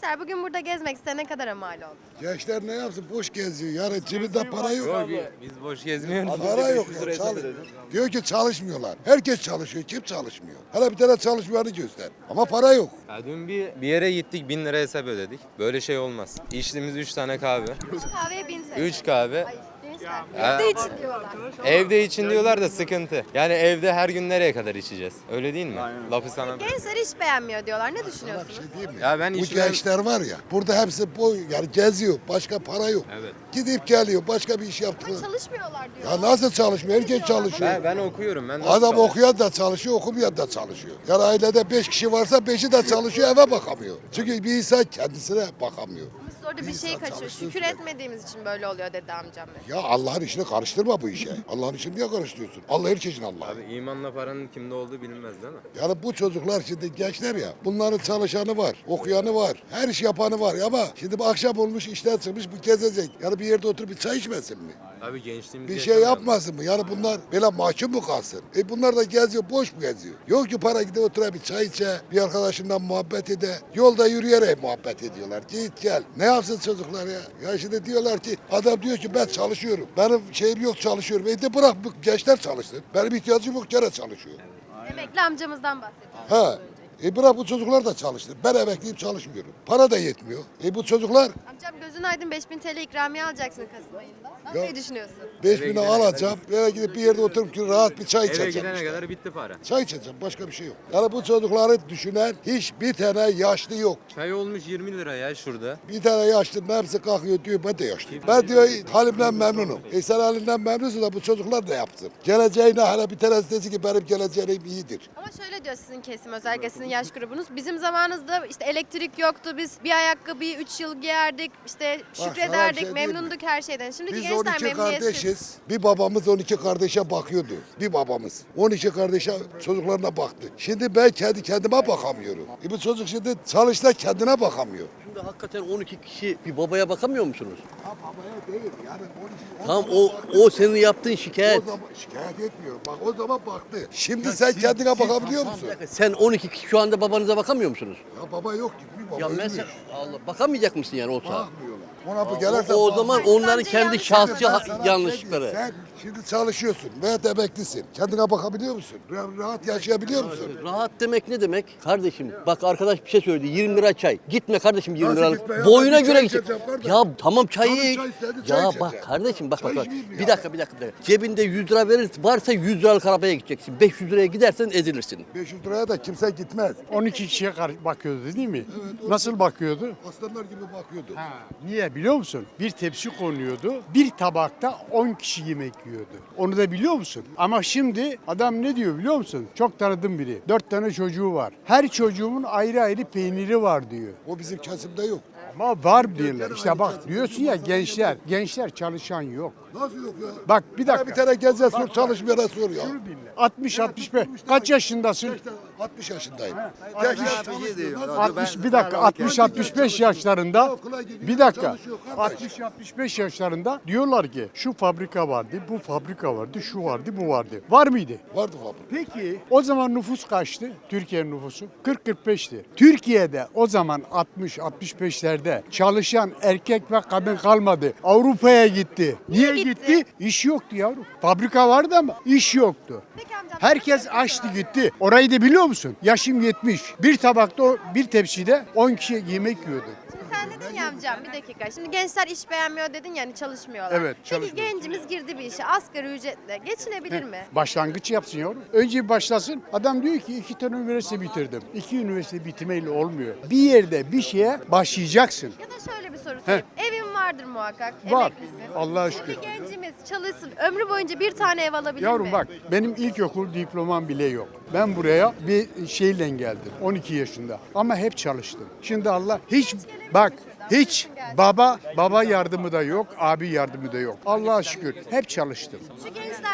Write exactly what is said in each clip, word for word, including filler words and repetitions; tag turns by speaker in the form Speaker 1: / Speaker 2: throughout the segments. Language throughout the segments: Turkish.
Speaker 1: Gençler bugün burada gezmek size ne kadar mal oldu?
Speaker 2: Gençler ne yapsın? Boş geziyor. Yani cebinde para yok.
Speaker 3: Yok, biz boş gezmiyoruz.
Speaker 2: Para yok ya. Çalış. Diyor ki çalışmıyorlar. Herkes çalışıyor. Kim çalışmıyor? Hala bir tane çalışmayanı göster. Ama para yok.
Speaker 3: Ya dün bir, bir yere gittik, bin lira hesap ödedik. Böyle şey olmaz. İçtiğimiz üç tane kahve.
Speaker 1: Üç kahveye bin T L.
Speaker 3: Üç kahve.
Speaker 1: Ay, gençler
Speaker 3: Ya.
Speaker 1: evde için diyorlar.
Speaker 3: Evde için diyorlar da sıkıntı. Yani evde her gün nereye kadar içeceğiz? Öyle değil mi? Lafı sana.
Speaker 1: Gençler iş beğenmiyor diyorlar. Ne düşünüyorsunuz?
Speaker 2: Şey değil mi?
Speaker 3: Ya ben
Speaker 2: Bu
Speaker 3: işimden-
Speaker 2: gençler var ya. Burada hepsi boy yani geziyor. Başka para yok.
Speaker 3: Evet.
Speaker 2: Gidip geliyor. Başka bir iş yaptığını.
Speaker 1: Ama çalışmıyorlar diyor.
Speaker 2: Ya nasıl çalışmıyor? Herkes çalışıyor.
Speaker 3: Ben, ben okuyorum. Ben nasıl
Speaker 2: Adam
Speaker 3: çalışıyorum?
Speaker 2: okuyan da çalışıyor, okumayan da çalışıyor. Yani ailede beş kişi varsa beşi de çalışıyor, eve bakamıyor. Çünkü bir insan kendisine bakamıyor.
Speaker 1: Biz orada bir
Speaker 2: İnsan
Speaker 1: şey kaçıyor.
Speaker 2: çalışsın
Speaker 1: Şükür
Speaker 2: sürekli.
Speaker 1: etmediğimiz için böyle oluyor dedi amcam mesela.
Speaker 2: Ya Allah'ın işini karıştırma bu işe. Allah'ın işini niye karıştırıyorsun? Allah herkesin Allah'ı.
Speaker 3: Abi imanla paranın kimde olduğu bilinmez değil mi?
Speaker 2: Yani bu çocuklar şimdi gençler ya, bunların çalışanı var, okuyanı var, her iş yapanı var. Ama şimdi bu akşam olmuş, işten çıkmış, bu gezecek. Yani bir yerde oturup bir çay içmesin mi?
Speaker 3: Abi gençliğimiz
Speaker 2: Bir şey yapmasın mı? Yani bunlar böyle mahkum mu kalsın? E bunlar da geziyor, boş mu geziyor? Yok ki para gidip oturup bir çay içe, bir arkadaşından muhabbet ede. Yolda yürüyerek muhabbet ediyorlar. Git gel. Ne yapsın çocuklar ya? Ya şimdi diyorlar ki, adam diyor ki ben çalışıyorum. Benim şeyim yok çalışıyorum. E de bırak bu gençler çalışsın. Benim ihtiyacım yok, gene çalışıyor.
Speaker 1: Emekli amcamızdan bahsediyoruz.
Speaker 2: Ha. E bırak bu çocuklar da çalışsın. Ben emekliyim çalışmıyorum. Para da yetmiyor. E bu çocuklar
Speaker 1: Amcam gözün aydın beş bin T L ikramiye alacaksın Kasım ayında. Ne yapmayı düşünüyorsun?
Speaker 2: beş
Speaker 3: Eve
Speaker 2: bini
Speaker 3: gidene
Speaker 2: alacağım. Böyle gidip bir yerde oturup ki rahat bir çay
Speaker 3: Eve
Speaker 2: içeceğim.
Speaker 3: gidene
Speaker 2: işte.
Speaker 3: kadar bitti para.
Speaker 2: Çay içeceğim. Başka bir şey yok. Yani bu çocukları düşünen hiçbir tane yaşlı yok.
Speaker 3: Çay olmuş yirmi lira ya şurada.
Speaker 2: Bir tane yaşlının hepsi kalkıyor diyor ben de yaşlıyım. Ben diyor halimden memnunum. E sen halinden memnunsun da bu çocuklar da yapsın. Geleceğine hala bir tanesi desin ki benim geleceğim iyidir.
Speaker 1: Ama şöyle diyor sizin kesim, özellikle sizin yaş grubunuz. Bizim zamanımızda işte elektrik yoktu. Biz bir ayakkabıyı üç yıl giyerdik. İşte
Speaker 2: sana
Speaker 1: şükrederdik,
Speaker 2: bir şey diyeyim mi?
Speaker 1: memnunduk her şeyden. Şimdiki
Speaker 2: Biz
Speaker 1: gençler
Speaker 2: on iki
Speaker 1: memnuniyetsiz.
Speaker 2: kardeşiz. Bir babamız on iki kardeşe bakıyordu. Bir babamız. on iki kardeşe çocuklarına baktı. Şimdi ben kendi kendime bakamıyorum. E bu çocuk şimdi çalışta kendine bakamıyor.
Speaker 4: Şimdi hakikaten on iki kişi bir babaya bakamıyor musunuz?
Speaker 2: Ya babaya değil yani on iki,
Speaker 4: Tamam o o senin yaptığın şikayet.
Speaker 2: O zaman şikayet etmiyorum. Bak o zaman baktı. Şimdi sen kendine bakabiliyor musun?
Speaker 4: Bir dakika, sen on iki kişi şu anda babanıza bakamıyor musunuz?
Speaker 2: Ya baba yok gitmiyor baba
Speaker 4: Ya
Speaker 2: ölmüş.
Speaker 4: mesela Allah bakamayacak mısın yani o saat?
Speaker 2: Bakmıyorlar. Ona bu
Speaker 4: O,
Speaker 2: gelirse
Speaker 4: o
Speaker 2: bak-
Speaker 4: zaman
Speaker 1: Bak,
Speaker 4: onların
Speaker 1: bence
Speaker 4: kendi
Speaker 1: yanlış
Speaker 4: şahsi
Speaker 2: Ben
Speaker 4: ha-
Speaker 2: sana
Speaker 4: yanlışlıkları.
Speaker 2: şey diyeyim, Sen şimdi çalışıyorsun veya emeklisin. Kendine bakabiliyor musun? Ra- Rahat yaşayabiliyor musun?
Speaker 4: Rahat demek ne demek? Kardeşim bak arkadaş bir şey söyledi. yirmi lira çay. Gitme kardeşim yirmi
Speaker 2: Nasıl
Speaker 4: liralık.
Speaker 2: gitme ya?
Speaker 4: Boyuna
Speaker 2: Ben bir
Speaker 4: göre
Speaker 2: çay
Speaker 4: gidecek.
Speaker 2: içeceğim kardeşim.
Speaker 4: Ya tamam çayı
Speaker 2: Canım
Speaker 4: iç.
Speaker 2: çay istedi, çay
Speaker 4: Ya
Speaker 2: içeceğim.
Speaker 4: bak kardeşim bak
Speaker 2: Çay
Speaker 4: bak. bak.
Speaker 2: içmeyeyim mi
Speaker 4: Bir
Speaker 2: ya?
Speaker 4: dakika bir dakika. bir dakika. Cebinde yüz lira verir varsa yüz liralık arabaya gideceksin. beş yüz liraya gidersen ezilirsin.
Speaker 2: beş yüz liraya da kimse gitmez.
Speaker 5: on iki kişiye kar- bakıyordu değil mi? Nasıl bakıyordu?
Speaker 2: Aslanlar gibi bakıyordu.
Speaker 5: Ha, niye biliyor musun? Bir tepsi konuyordu. Bir tabakta on kişi yemek yiyordu. Onu da biliyor musun? Ama şimdi adam ne diyor biliyor musun? Çok tanıdığım biri. Dört tane çocuğu var. Her çocuğumun ayrı ayrı peyniri var diyor.
Speaker 2: O bizim kesimde yok.
Speaker 5: Ama var diyorlar. İşte bak diyorsun ya gençler. Gençler çalışan yok.
Speaker 2: Nasıl yok ya?
Speaker 5: Bak bir
Speaker 2: Bana bir
Speaker 5: dakika.
Speaker 2: tane geze sor çalışmayana sor ya.
Speaker 5: altmış altmış beş. Kaç yaşındasın?
Speaker 2: Gençler altmış yaşındayım. Gençler çalışmıyor. Nasıl-
Speaker 5: altmış bir dakika altmış altmış beş yaşlarında bir dakika altmış altmış beş yaşlarında diyorlar ki şu fabrika vardı, bu fabrika vardı, şu vardı, bu vardı. Var mıydı?
Speaker 2: Vardı fabrika.
Speaker 5: Peki o zaman nüfus kaçtı? Türkiye'nin nüfusu kırk kırk beşti. Türkiye'de o zaman altmış altmış beşlerde çalışan erkek ve kadın kalmadı. Avrupa'ya gitti. Niye
Speaker 1: gitti?
Speaker 5: gitti? İş yoktu yavrum. Fabrika vardı ama iş yoktu.
Speaker 1: Peki amcam.
Speaker 5: Herkes açtı gitti. Orayı da biliyor musun? Yaşım yetmiş. Bir tabakta, o- bir tepside on kişi yemek yiyordu.
Speaker 1: Şimdi sen dedin ya amcam bir dakika. Şimdi gençler iş beğenmiyor dedin yani çalışmıyorlar.
Speaker 5: Evet,
Speaker 1: Peki
Speaker 5: çalışmıyor.
Speaker 1: gencimiz girdi bir işe asgari ücretle geçinebilir mi?
Speaker 5: Başlangıç yapsın yavrum. Önce bir başlasın. Adam diyor ki iki tane üniversite bitirdim. İki üniversite bitirmeyle olmuyor. Bir yerde bir şeye başlayacaksın.
Speaker 1: Ya da şöyle bir soru sorayım. Evin vardır muhakkak.
Speaker 5: Var.
Speaker 1: Emeklisin.
Speaker 5: Allah'a şükür.
Speaker 1: Bir gencimiz çalışsın. Ömrü boyunca bir tane ev alabilir
Speaker 5: Yavrum
Speaker 1: mi?
Speaker 5: bak benim ilkokul diplomam bile yok. Ben buraya bir şeyle geldim. on iki yaşında. Ama hep çalıştım. Şimdi Allah hiç bak hiç baba baba yardımı da yok, abi yardımı da yok. Allah'a şükür hep çalıştım.
Speaker 1: Şu gençler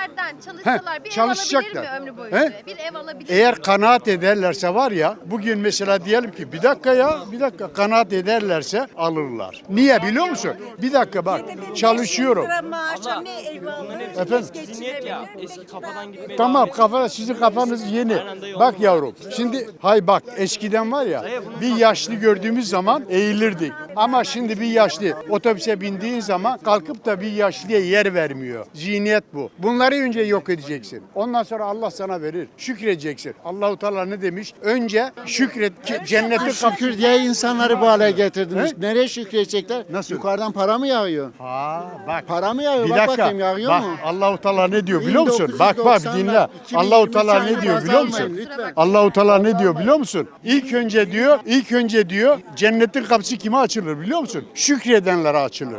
Speaker 1: vergilerden çalışsalar bir ev
Speaker 5: çalışacaklar.
Speaker 1: alabilir mi ömrü boyunca?
Speaker 5: He?
Speaker 1: Bir ev alabilir
Speaker 5: Eğer
Speaker 1: mi?
Speaker 5: kanaat ederlerse var ya, bugün mesela diyelim ki bir dakika ya, bir dakika kanaat ederlerse alırlar. Niye biliyor musun? Bir dakika bak, çalışıyorum.
Speaker 6: Maaşa ne ev alır?
Speaker 5: Efendim?
Speaker 7: Zihniyet ya. Eski kafadan gitmeyi
Speaker 5: Tamam, kafa sizin kafanız yeni. Bak yavrum. Şimdi hay bak, eskiden var ya, bir yaşlı gördüğümüz zaman eğilirdik. Ama şimdi bir yaşlı otobüse bindiğin zaman kalkıp da bir yaşlıya yer vermiyor. Zihniyet bu. Bunları önce yok edeceksin. Ondan sonra Allah sana verir. Şükredeceksin. Allahu Teala ne demiş? Önce şükret ki cennete
Speaker 8: Şükür
Speaker 5: kapı.
Speaker 8: diye insanları bu hale getirdiniz.
Speaker 5: He?
Speaker 8: Nereye şükredecekler?
Speaker 5: Nasıl?
Speaker 8: Yukarıdan para mı yağıyor?
Speaker 5: Ha bak.
Speaker 8: Para mı yağıyor?
Speaker 5: Bir
Speaker 8: Bak
Speaker 5: dakika.
Speaker 8: bakayım yağıyor
Speaker 5: Bak,
Speaker 8: mu?
Speaker 5: Allahu Teala ne diyor biliyor musun? Bak bak dinle.
Speaker 8: bin doksanlar,
Speaker 5: Allahu Teala
Speaker 8: iki bin
Speaker 5: ne
Speaker 8: yirmi
Speaker 5: diyor
Speaker 8: üç
Speaker 5: biliyor
Speaker 8: almayın
Speaker 5: musun?
Speaker 8: lütfen.
Speaker 5: Allahu Teala ne diyor biliyor musun? İlk önce diyor, ilk önce diyor cennetin kapısı kime açılır biliyor musun? Şükredenlere açılır.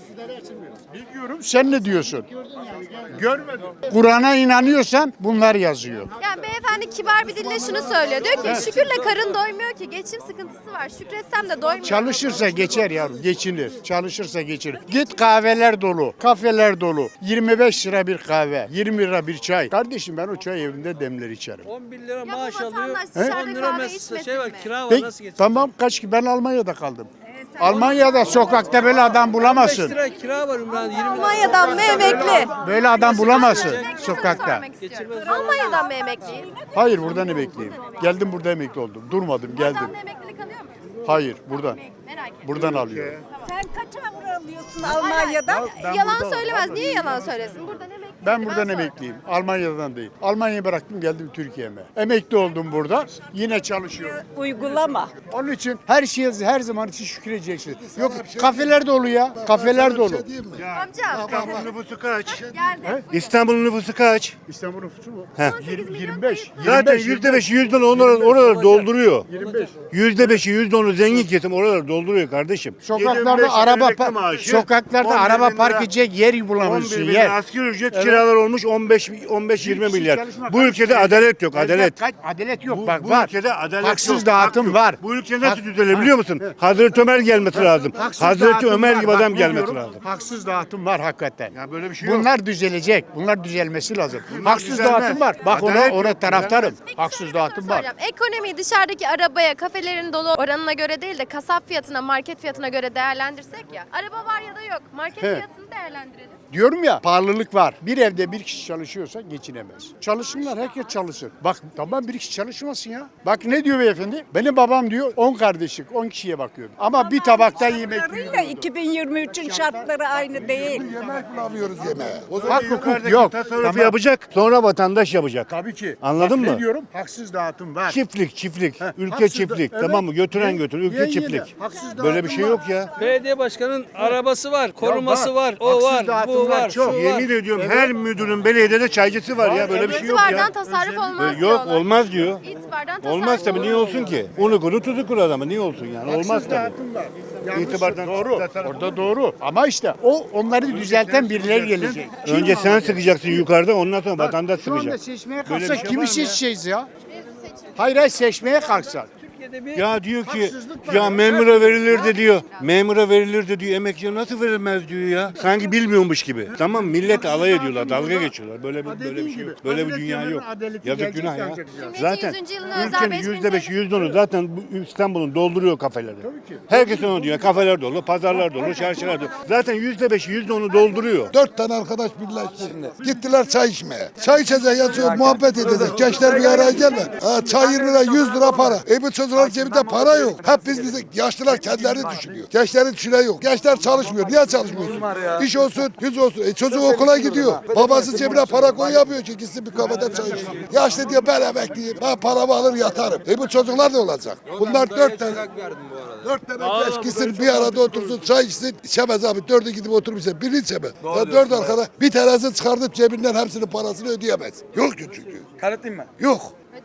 Speaker 5: Biliyorum. Sen ne diyorsun? Görmedim. Kur'an'a inanıyorsan bunlar yazıyor.
Speaker 1: Yani beyefendi kibar bir dille şunu söylüyor. Diyor ki şükürle karın doymuyor ki. Geçim sıkıntısı var. Şükretsem de doymuyor.
Speaker 5: Çalışırsa geçer yavrum, geçinir. Çalışırsa geçinir. Git kahveler dolu, kafeler dolu. yirmi beş lira bir kahve, yirmi lira bir çay. Kardeşim ben o çay evinde demler içerim.
Speaker 7: on bir lira
Speaker 1: Ya bu
Speaker 7: maaş alıyor.
Speaker 1: vatandaş
Speaker 7: on
Speaker 1: dışarıda
Speaker 7: lira
Speaker 1: kahve
Speaker 7: mes-
Speaker 1: içmesin
Speaker 7: şey var,
Speaker 1: mi?
Speaker 7: kira var
Speaker 5: Peki,
Speaker 7: nasıl geçecek?
Speaker 5: tamam kaç ki ben Almanya'da kaldım. Almanya'da sokakta böyle adam
Speaker 7: beş
Speaker 5: bulamazsın.
Speaker 7: lira kira var Ümran, yirmi lira.
Speaker 1: Almanya'dan mı emekli?
Speaker 5: Böyle adam bulamazsın
Speaker 1: Tek bir soru
Speaker 5: sokakta.
Speaker 1: sormak istiyorum. Almanya'dan mı emekliyiz?
Speaker 5: Hayır buradan emekliyim. Geldim burada emekli oldum. Durmadım geldim.
Speaker 1: Vatandaşlık emeklilik alıyor muyuz?
Speaker 5: Hayır buradan.
Speaker 1: Merak ettim.
Speaker 5: Buradan alıyorum.
Speaker 6: Sen kaç avro alıyorsun Almanya'dan?
Speaker 5: Ben
Speaker 1: yalan
Speaker 5: burada-
Speaker 1: söylemez. Niye yalan söylesin? Buradan emekli.
Speaker 5: Ben buradan emekliyim. Almanya'dan değil. Almanya'yı bıraktım geldim Türkiye'me. Emekli oldum burada. Yine çalışıyorum.
Speaker 6: Uygulama.
Speaker 5: Onun için her şeye her zaman için şükredeceksin. Yok kafeler dolu ya. Kafeler dolu.
Speaker 1: Amcam.
Speaker 9: İstanbul'un nüfusu kaç?
Speaker 1: Geldi.
Speaker 9: İstanbul'un nüfusu kaç?
Speaker 5: İstanbul nüfusu mu?
Speaker 9: He.
Speaker 1: on sekiz milyon
Speaker 5: yirmi beş.
Speaker 1: kayıp var.
Speaker 9: Zaten yüzde beşi yüzde onu oraları, oraları dolduruyor.
Speaker 5: yirmi beş.
Speaker 9: Yüzde beşi yüzde onu zengin kesim oraları dolduruyor kardeşim.
Speaker 5: Sokaklarda araba pa- sokaklarda araba park edecek yer bulamıyorsun
Speaker 9: on bir bin
Speaker 5: yer.
Speaker 9: lira asgari ücret
Speaker 5: Evet.
Speaker 9: kiralar olmuş on beş on beş yirmi milyar. Bu ülkede adalet yok, adalet.
Speaker 5: Kaç- Adalet yok
Speaker 9: Bu,
Speaker 5: bak
Speaker 9: bu
Speaker 5: var.
Speaker 9: ülkede adalet
Speaker 5: Haksız
Speaker 9: yok.
Speaker 5: dağıtım
Speaker 9: hak yok.
Speaker 5: var.
Speaker 9: Bu ülke nasıl
Speaker 5: Hak-
Speaker 9: düzelir biliyor musun? Hazreti Ömer gelmesi lazım.
Speaker 5: Haksız
Speaker 9: Hazreti
Speaker 5: dağıtım
Speaker 9: Ömer
Speaker 5: var.
Speaker 9: gibi
Speaker 5: Bak
Speaker 9: adam
Speaker 5: ne
Speaker 9: gelmesi
Speaker 5: diyorum?
Speaker 9: lazım.
Speaker 5: Haksız dağıtım var hakikaten.
Speaker 9: Ya böyle bir şey yok.
Speaker 5: Bunlar düzelecek. Bunlar düzelmesi lazım. Haksız
Speaker 9: düzelmez.
Speaker 5: dağıtım var. Bak ona
Speaker 9: Adalet
Speaker 5: ona
Speaker 9: yok,
Speaker 5: taraftarım.
Speaker 1: Peki
Speaker 5: Haksız
Speaker 1: şöyle bir
Speaker 5: dağıtım
Speaker 1: soru
Speaker 5: var.
Speaker 1: soracağım. Ekonomiyi dışarıdaki arabaya, kafelerin dolu oranına göre değil de kasap fiyatına, market fiyatına göre değerlendirsek ya. Araba var ya da yok. Market
Speaker 5: He.
Speaker 1: fiyatını değerlendirelim.
Speaker 5: Diyorum ya pahalılık var. Bir evde bir kişi çalışıyorsa geçinemez. Çalışsınlar herkes çalışsın. Bak tamam bir kişi çalışmasın ya. Bak ne diyor beyefendi? Benim babam diyor on kardeşlik on kişiye bakıyordu. Ama bir tabakta yemek
Speaker 6: Şartlarıyla
Speaker 5: yiyordu.
Speaker 6: iki bin yirmi üçün şartları aynı değil.
Speaker 2: Yemek bulamıyoruz yemeğe.
Speaker 9: O zaman
Speaker 5: Hak hukuk
Speaker 9: yukarıdaki
Speaker 5: yok.
Speaker 9: tasarrufu
Speaker 5: Tamam.
Speaker 9: yapacak, sonra vatandaş yapacak.
Speaker 5: Tabii ki.
Speaker 9: Anladın
Speaker 5: Bak
Speaker 9: mı?
Speaker 5: Ne diyorum? Haksız dağıtım var.
Speaker 9: Çiftlik, çiftlik,
Speaker 5: Heh,
Speaker 9: ülke
Speaker 5: haksız da-
Speaker 9: çiftlik,
Speaker 5: evet.
Speaker 9: tamam mı? Götüren
Speaker 5: Ye-
Speaker 9: götür, ülke
Speaker 5: ye- ye de.
Speaker 9: çiftlik.
Speaker 5: Haksız
Speaker 9: Böyle bir
Speaker 5: dağıtım
Speaker 9: şey
Speaker 5: var.
Speaker 9: yok ya.
Speaker 7: Belediye başkanının arabası var, koruması
Speaker 5: var.
Speaker 7: var, o
Speaker 5: Haksız
Speaker 7: var, bu
Speaker 5: dağıtımlar
Speaker 7: var,
Speaker 5: çok.
Speaker 7: şu var.
Speaker 9: Yemin ediyorum her müdürün belediyede çaycısı var ya, böyle bir şey yok ya.
Speaker 1: İtibardan tasarruf olmaz
Speaker 9: Yok
Speaker 1: diyorlar.
Speaker 9: olmaz diyor.
Speaker 1: İtibardan tasarruf
Speaker 9: Olmaz tabii, niye
Speaker 1: olmaz.
Speaker 9: olsun ki? Unu kuru tuzu kuru adamı, niye olsun yani? Olmaz
Speaker 5: Haksız
Speaker 9: tabii.
Speaker 5: dağıtım var. Yanlış,
Speaker 9: İtibardan
Speaker 5: doğru.
Speaker 9: tasarruf
Speaker 5: Orada doğru. Ama işte o onları düzelten birileri gelecek.
Speaker 9: Önce sen sıkacaksın yukarıda, ondan sonra vatandaş
Speaker 5: Şu anda
Speaker 9: sıkacak.
Speaker 5: seçmeye
Speaker 9: Böyle bir
Speaker 5: kalksak
Speaker 9: şey var
Speaker 5: kimi
Speaker 9: mı ya?
Speaker 5: seçeceğiz ya? Hayır hayır seçmeye kalksak.
Speaker 7: Türkiye'de bir
Speaker 9: Ya diyor ki
Speaker 5: Haksızlık var
Speaker 9: ya
Speaker 5: ya.
Speaker 9: memura verilir de diyor. Memura verilir de diyor, emekçiye nasıl verilmez diyor ya. Sanki bilmiyormuş gibi. Tamam, millet alay ediyorlar, dalga geçiyorlar. Böyle bir böyle bir şey yok. Böyle bir dünya yok. Yazık günah ya. Zaten
Speaker 1: yüzüncü yılına özel
Speaker 9: ülkenin
Speaker 1: beş bin
Speaker 9: yüzde beşi yüzde onu zaten bu İstanbul'un dolduruyor kafeleri. Herkes onu diyor. Kafeler dolu, pazarlar dolu, çarşılar dolu. Zaten yüzde beşi yüzde onu dolduruyor.
Speaker 2: Dört tane arkadaş birleşti. Gittiler çay içmeye. Çay içecek yazıyor, muhabbet edecek. Gençler bir araya gelme. Ha, çay yirmi lira, yüz lira para. E bu çocuklar cebinde para yok. Hep biz bize yaşlılar kendilerini düşünüyor. Gençlerin düşünen yok. Gençler çalışmıyor. Niye çalışmıyorsun? İş olsun, yüz olsun. E çocuk okula gidiyor. Babası cebine para koyamıyor ki gitsin bir kafede çay içsin. Yaşlı diyor ben emekliyim. Ben paramı alır yatarım. E bu çocuklar da olacak. Bunlar dört tane. Dört tane genç gitsin bir arada otursun çay içsin. İçemez abi. Dördü gidip oturup içsin. Biri içemez. Ya dört arkadaş bir tanesi çıkartıp cebinden hepsinin parasını ödeyemez. Yok ki çünkü.
Speaker 10: Kanıtlayayım mı?
Speaker 2: Yok.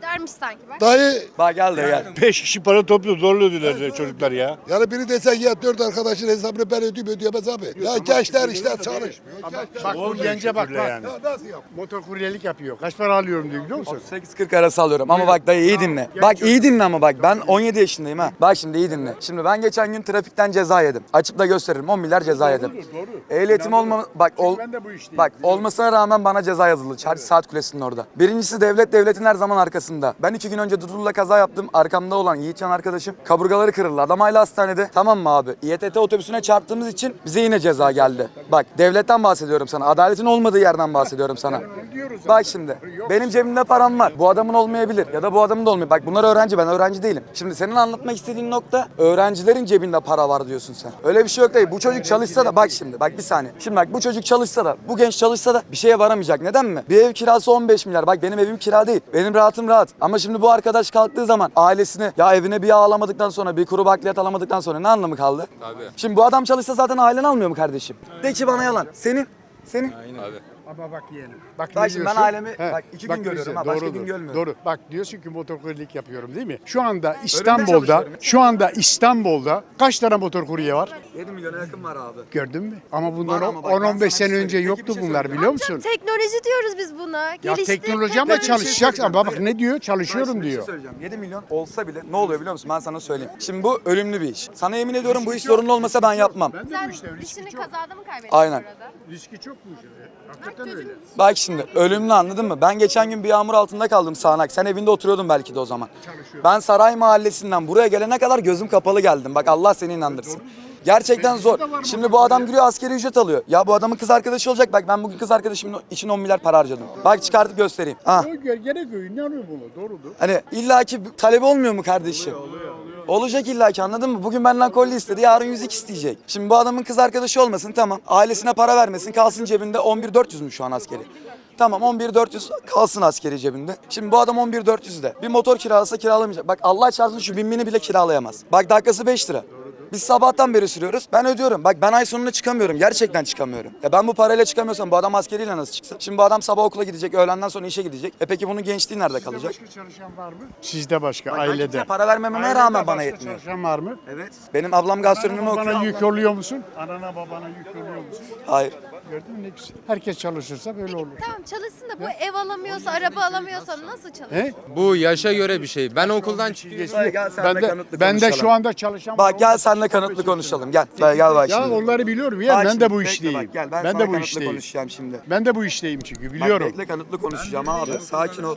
Speaker 1: Dermiş sanki bak.
Speaker 2: Dayı
Speaker 9: Bak gel de gel. Beş kişi para topluyor zorluyorlar çocuklar ya.
Speaker 2: yani biri desen ya dört arkadaşın hesabını ben ödeyeyim ödeyemez abi. Ya gençler işte çalışmıyor. Gençler-
Speaker 5: Bak bu gence bak bak.
Speaker 2: Ya nasıl yap?
Speaker 5: Motor kuryelik yapıyor. Kaç para alıyorum diyor biliyor musun?
Speaker 10: sekiz kırk arası alıyorum ama bak dayı iyi dinle. Bak iyi dinle ama bak ben on yedi yaşındayım ha. Bak şimdi iyi dinle. Şimdi ben geçen gün trafikten ceza yedim. Açıp da gösteririm on milyar ceza yedim. Ehliyetim olma bak ol
Speaker 5: Ben de bu işteyim.
Speaker 10: bak olmasına rağmen bana ceza yazıldı. Çarşı saat kulesinin orada. Birincisi devlet devletin her zaman arkasında. Ben iki gün önce Dudullu'la kaza yaptım. Arkamda olan Yiğitcan arkadaşım kaburgaları kırıldı. Adam hala hastanede. Tamam mı abi? İ T T otobüsüne çarptığımız için bize yine ceza geldi. Bak devletten bahsediyorum sana. Adaletin olmadığı yerden bahsediyorum sana. Bak şimdi benim cebimde param var. Bu adamın olmayabilir ya da bu adamın da olmayabilir. Bak bunlar öğrenci, ben öğrenci değilim. Şimdi senin anlatmak istediğin nokta öğrencilerin cebinde para var diyorsun sen. Öyle bir şey yok değil. Bu çocuk çalışsa da bak şimdi bak bir saniye. Şimdi bak bu çocuk çalışsa da bu genç çalışsa da bir şeye varamayacak. Neden mi? Bir ev kirası on beş milyar. Bak benim evim kira değil. Benim rahatım rahat. Ama şimdi bu arkadaş kalktığı zaman ailesini ya evine bir yağ alamadıktan sonra bir kuru bakliyat alamadıktan sonra ne anlamı kaldı?
Speaker 3: Tabii.
Speaker 10: Şimdi bu adam çalışsa zaten ailen almıyor mu kardeşim? De ki bana yalan. Senin senin
Speaker 3: Abi.
Speaker 5: Ama bak yeğenim. Bak,
Speaker 10: Bak
Speaker 5: ne
Speaker 10: şimdi ben
Speaker 5: diyorsun?
Speaker 10: ailemi bak iki gün görüyorum
Speaker 5: güzel,
Speaker 10: ha başka
Speaker 5: doğrudur,
Speaker 10: gün görmüyorum.
Speaker 5: Doğru. Bak diyorsun ki motor kuryelik yapıyorum değil mi? Şu anda İstanbul'da,
Speaker 10: çalışıyorum.
Speaker 5: şu anda İstanbul'da kaç tane motor kurye var?
Speaker 10: yedi milyona yakın var abi.
Speaker 5: Gördün mü? Ama bundan
Speaker 10: Var ama bak,
Speaker 5: on
Speaker 10: ben
Speaker 5: on beş
Speaker 10: sana
Speaker 5: sene
Speaker 10: bir
Speaker 5: önce
Speaker 10: söyleyeyim.
Speaker 5: yoktu
Speaker 10: Peki bir şey
Speaker 5: bunlar
Speaker 10: söyleyeyim.
Speaker 5: biliyor musun?
Speaker 1: Teknoloji diyoruz biz buna.
Speaker 5: Ya
Speaker 1: Gelişti,
Speaker 5: teknoloji ama
Speaker 1: teknoloji.
Speaker 5: çalışacaksın.
Speaker 10: söyleyeceğim,
Speaker 5: Ama bak
Speaker 10: dayı.
Speaker 5: ne diyor?
Speaker 10: Ben
Speaker 5: Çalışıyorum
Speaker 10: şimdi bir şey
Speaker 5: diyor.
Speaker 10: söyleyeceğim. yedi milyon olsa bile ne oluyor biliyor musun? Ben sana söyleyeyim. Şimdi bu ölümlü bir iş. Sana yemin ediyorum bu iş zorunlu olmasa ben yapmam.
Speaker 5: Ben de
Speaker 1: Sen
Speaker 5: bu işte riski
Speaker 1: dişini
Speaker 5: çok.
Speaker 1: kazada mı kaybettin
Speaker 10: Aynen.
Speaker 1: burada?
Speaker 5: Riski çok bu işin. Hakikaten öyle.
Speaker 10: Bak şimdi ölümlü anladın mı? Ben geçen gün bir yağmur altında kaldım sağanak. Sen evinde oturuyordun belki de o zaman. Ben Saray Mahallesi'nden buraya gelene kadar gözüm kapalı geldim. Bak Allah seni inandırsın. Gerçekten zor. Şimdi bu adam giriyor askeri ücret alıyor. Ya bu adamın kız arkadaşı olacak. Bak ben bugün kız arkadaşımın için on milyar para harcadım. Bak çıkartıp göstereyim. Ha.
Speaker 5: O gö- gene göğün yanıyor bunu. Doğrudur.
Speaker 10: Hani illaki talebi olmuyor mu kardeşim? Olacak illaki anladın mı? Bugün benden kolye istedi, yarın yüzük isteyecek. Şimdi bu adamın kız arkadaşı olmasın tamam. Ailesine para vermesin, kalsın cebinde on bir dört yüz mü şu an askeri? Tamam on bir dört yüz kalsın askeri cebinde. Şimdi bu adam on bir dört yüzde. Bir motor kiralasa kiralamayacak. Bak Allah çarpsın şu bin bini bile kiralayamaz. Bak dakikası beş lira. Biz sabahtan beri sürüyoruz. Ben ödüyorum. Bak ben ay sonunda çıkamıyorum. Gerçekten çıkamıyorum. Ya ben bu parayla çıkamıyorsam bu adam askeriyle nasıl çıksın? Şimdi bu adam sabah okula gidecek, öğlenden sonra işe gidecek. E peki bunun gençliği nerede kalacak?
Speaker 5: Başka çalışan var mı? Sizde başka,
Speaker 10: Bak ben
Speaker 5: ailede.
Speaker 10: kimseye para vermememe rağmen bana
Speaker 5: başka
Speaker 10: yetmiyor.
Speaker 5: çalışan var mı?
Speaker 10: Evet. Benim ablam gastronomi
Speaker 5: Anana
Speaker 10: okuyor.
Speaker 5: babana yük oluyor musun? Anana babana yük oluyor musun?
Speaker 10: Hayır.
Speaker 5: Gördün mü ne güzel. Herkes çalışırsa böyle olur.
Speaker 1: Tamam çalışsın da bu ev alamıyorsa, araba alamıyorsa nasıl çalışsın?
Speaker 5: He?
Speaker 3: Bu yaşa göre bir şey. Ben okuldan çıkıyorum.
Speaker 10: Dayı gel
Speaker 5: Ben
Speaker 10: senle
Speaker 5: de,
Speaker 10: kanıtlı
Speaker 5: ben de
Speaker 10: konuşalım.
Speaker 5: şu anda çalışan
Speaker 10: Bak gel seninle kanıtlı konuşalım. Gel. Dayı gel bak
Speaker 5: Ya
Speaker 10: şimdi.
Speaker 5: onları biliyorum ya.
Speaker 10: Bak
Speaker 5: Ben
Speaker 10: şimdi,
Speaker 5: de bu
Speaker 10: bekle
Speaker 5: işteyim.
Speaker 10: bak, gel. Ben,
Speaker 5: Ben
Speaker 10: sana
Speaker 5: de bu
Speaker 10: kanıtlı
Speaker 5: işteyim.
Speaker 10: konuşacağım şimdi.
Speaker 5: Ben de bu işteyim çünkü
Speaker 10: Bak
Speaker 5: biliyorum.
Speaker 10: bekle kanıtlı konuşacağım abi. Sakin ol.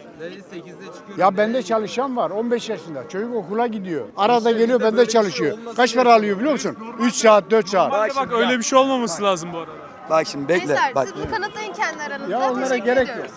Speaker 5: Ya bende çalışan var on beş yaşında. Çocuk okula gidiyor. Arada geliyor bende çalışıyor. Kaç para alıyor biliyor musun? üç saat dört saat.
Speaker 10: Bak şimdi,
Speaker 7: Öyle bir şey olmaması lazım bu arada.
Speaker 10: bak şimdi bekle.
Speaker 1: Gençler
Speaker 10: Bak.
Speaker 1: siz bunu kanıtlayın kendi aranızda.
Speaker 5: Ya onlara
Speaker 1: Teşekkür
Speaker 5: gerek
Speaker 1: ediyoruz.
Speaker 5: yok.